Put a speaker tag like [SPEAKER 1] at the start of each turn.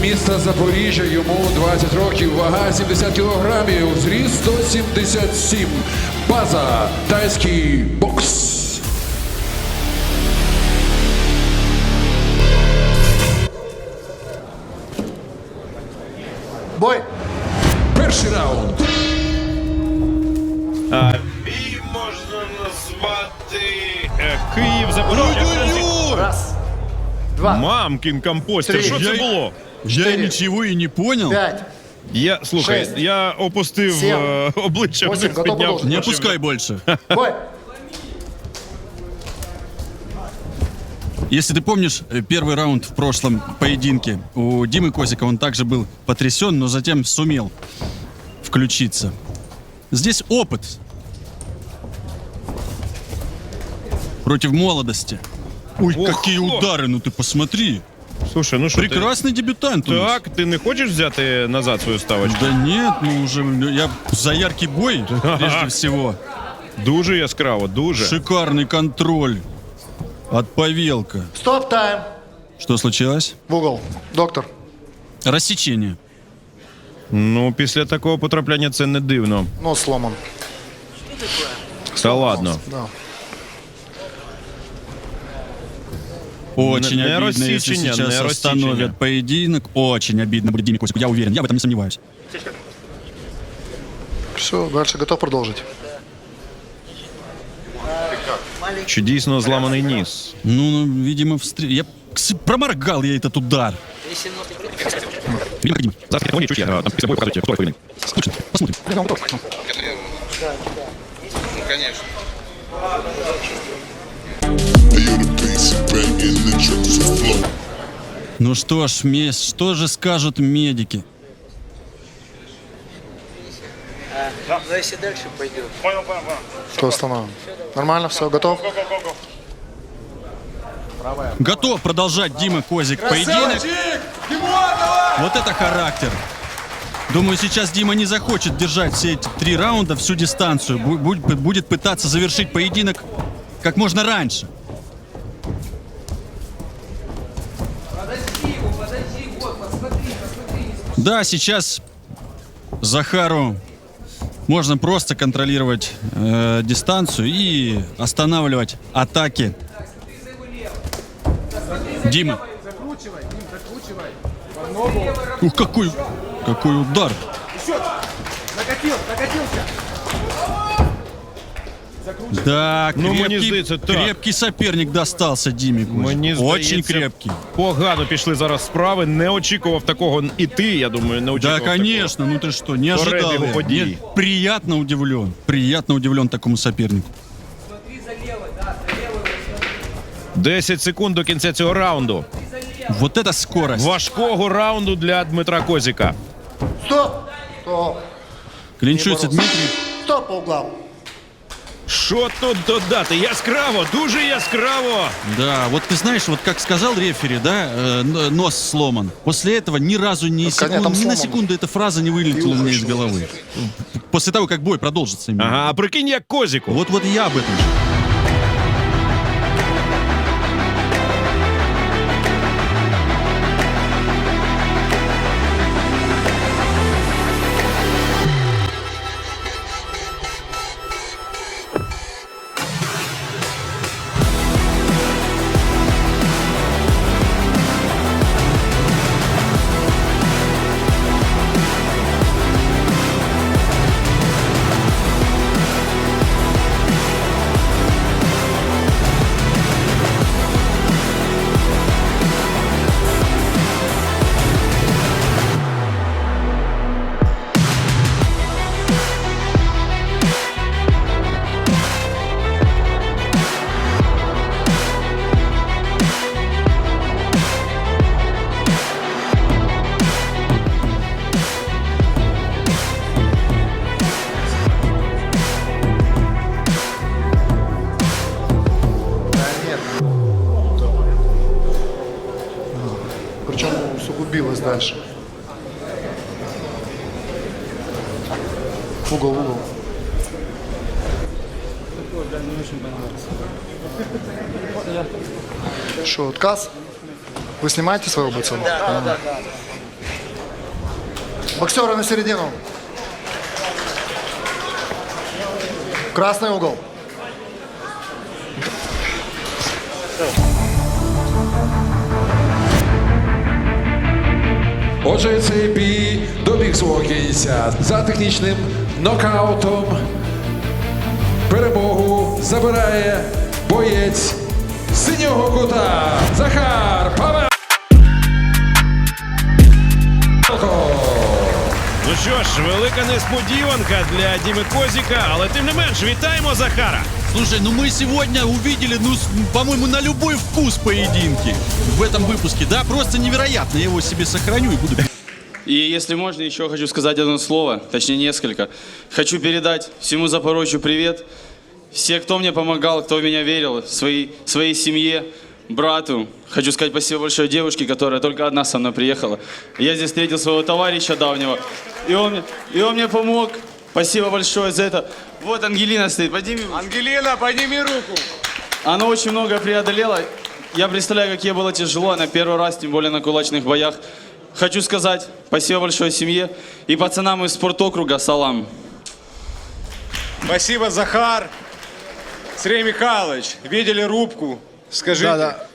[SPEAKER 1] міста Запоріжжя, йому 20 років, вага 70 кілограмів, зріст 177. База тайський бокс.
[SPEAKER 2] Бой!
[SPEAKER 1] Перший раунд.
[SPEAKER 3] Бій можна назвати Київ Запоріжжя.
[SPEAKER 2] Раз, два,
[SPEAKER 3] Мамкін компостер.
[SPEAKER 2] Три.
[SPEAKER 3] Що це було?
[SPEAKER 4] Я ничего и не понял.
[SPEAKER 2] пять.
[SPEAKER 3] Слухай,
[SPEAKER 2] Шесть.
[SPEAKER 3] я опустив
[SPEAKER 2] Сім.
[SPEAKER 3] обличчя
[SPEAKER 2] Восім.
[SPEAKER 3] вниз,
[SPEAKER 2] Готов
[SPEAKER 3] підняв.
[SPEAKER 2] продовжити?
[SPEAKER 4] Не опускай больше.
[SPEAKER 2] Бой!
[SPEAKER 4] Если ты помнишь первый раунд в прошлом поединке у Димы Козика, он также был потрясен, но затем сумел включиться. Здесь опыт против молодости. Ой,
[SPEAKER 3] Ох,
[SPEAKER 4] какие
[SPEAKER 3] ох.
[SPEAKER 4] удары, ну ты посмотри.
[SPEAKER 3] Слушай, ну що ти?
[SPEAKER 4] Прекрасный дебютант у нас.
[SPEAKER 3] Так, ти не хочеш взяти назад свою ставочку?
[SPEAKER 4] Да нет, ну уже я за яркий бой, прежде всего.
[SPEAKER 3] Дуже яскраво, дуже.
[SPEAKER 4] Шикарный контроль от Павелка.
[SPEAKER 2] Стоп, тайм!
[SPEAKER 4] Что случилось?
[SPEAKER 2] В угол. Доктор.
[SPEAKER 4] Рассечение.
[SPEAKER 3] Ну, після такого потрапляння це не дивно.
[SPEAKER 2] Нос сломан.
[SPEAKER 3] Та ладно.
[SPEAKER 2] Да.
[SPEAKER 4] Очень
[SPEAKER 3] Не
[SPEAKER 4] обидно, если
[SPEAKER 3] рассечение,
[SPEAKER 4] сейчас
[SPEAKER 3] не
[SPEAKER 4] остановят
[SPEAKER 3] рассечение.
[SPEAKER 4] поединок. Очень обидно будет Диме Козику, я уверен, я в этом не сомневаюсь.
[SPEAKER 2] Все, дальше готов продолжить.
[SPEAKER 3] Чи дійсно зламаний ніс?
[SPEAKER 4] Ну, видимо, проморгал я этот удар. Видимо, Дима.
[SPEAKER 3] Зараз я чуть, там після бою показують, хто повинен.
[SPEAKER 4] Слушай, посмотрим. Ну что ж, что же скажут медики?
[SPEAKER 5] Но если дальше пойдет.
[SPEAKER 2] Что остановим? Нормально, все, готов?
[SPEAKER 4] Готов продолжать Дима Козик поединок. Вот это характер. Думаю, сейчас Дима не захочет держать все эти 3 раунда, всю дистанцию. Будет пытаться завершить поединок как можно раньше. Да, сейчас Захару можно просто контролировать дистанцию и останавливать атаки Димы. Ух, какой удар! Да,
[SPEAKER 3] Ну, мені
[SPEAKER 4] крепкий,
[SPEAKER 3] здається, так.
[SPEAKER 4] крепкий соперник достался Диме Козику.
[SPEAKER 3] Мені
[SPEAKER 4] Очень
[SPEAKER 3] здається,
[SPEAKER 4] крепкий.
[SPEAKER 3] Погано пішли зараз справи. Не очікував такого. І ти, я думаю, не очікував.
[SPEAKER 4] Да, конечно, ну ты что, не ожидал
[SPEAKER 3] Перебігу
[SPEAKER 4] я.
[SPEAKER 3] подій.
[SPEAKER 4] Нет, приятно удивлен такому сопернику.
[SPEAKER 3] 10 секунд до кінця цього раунду.
[SPEAKER 4] Вот это скорость.
[SPEAKER 3] Важкого раунду для Дмитра Козіка.
[SPEAKER 2] Стоп! Стоп!
[SPEAKER 4] Клинчуется
[SPEAKER 2] Не боролся.
[SPEAKER 4] Дмитрий.
[SPEAKER 2] Стоп по углам.
[SPEAKER 3] Що тут додати? Яскраво, дуже яскраво.
[SPEAKER 4] Да, вот ты знаешь, вот как сказал рефери, да, нос сломан. После этого ни разу
[SPEAKER 2] там
[SPEAKER 4] ни на
[SPEAKER 2] сломан.
[SPEAKER 4] секунду эта фраза не вылетела у меня из головы. После того, как бой продолжится именно.
[SPEAKER 3] Ага, а прикинь, як Козіку.
[SPEAKER 4] Вот я об этом же.
[SPEAKER 2] Причем усугубилось дальше. В угол, в угол. Что, отказ? Вы снимаете своего бойца?
[SPEAKER 5] Да.
[SPEAKER 2] Боксеры на середину. Красный угол.
[SPEAKER 1] Отже, цей бій добіг свого кінця. За технічним нокаутом перемогу забирає боєць синього кута Захар Павелко.
[SPEAKER 3] Ну що ж, велика несподіванка для Діми Козіка, але тим не менш, вітаємо Захара.
[SPEAKER 4] Слушай, ну мы сегодня увидели, ну, по-моему, на любой вкус поединки в этом выпуске, да? Просто невероятно. Я его себе сохраню и буду...
[SPEAKER 6] И если можно, еще хочу сказать одно слово, точнее несколько. Хочу передать всему Запорожью привет. Все, кто мне помогал, кто в меня верил, своей семье, брату. Хочу сказать спасибо большое девушке, которая только одна со мной приехала. Я здесь встретил своего товарища давнего, и он мне помог. Спасибо большое за это. Вот Ангелина стоит, подними руку.
[SPEAKER 7] Ангелина, подними руку.
[SPEAKER 6] Она очень много преодолела. Я представляю, как ей было тяжело. Она первый раз, тем более на кулачных боях. Хочу сказать спасибо большое семье и пацанам из спорткруга салам.
[SPEAKER 7] Спасибо, Захар. Сергей Михайлович, видели рубку? Скажите.
[SPEAKER 2] Да.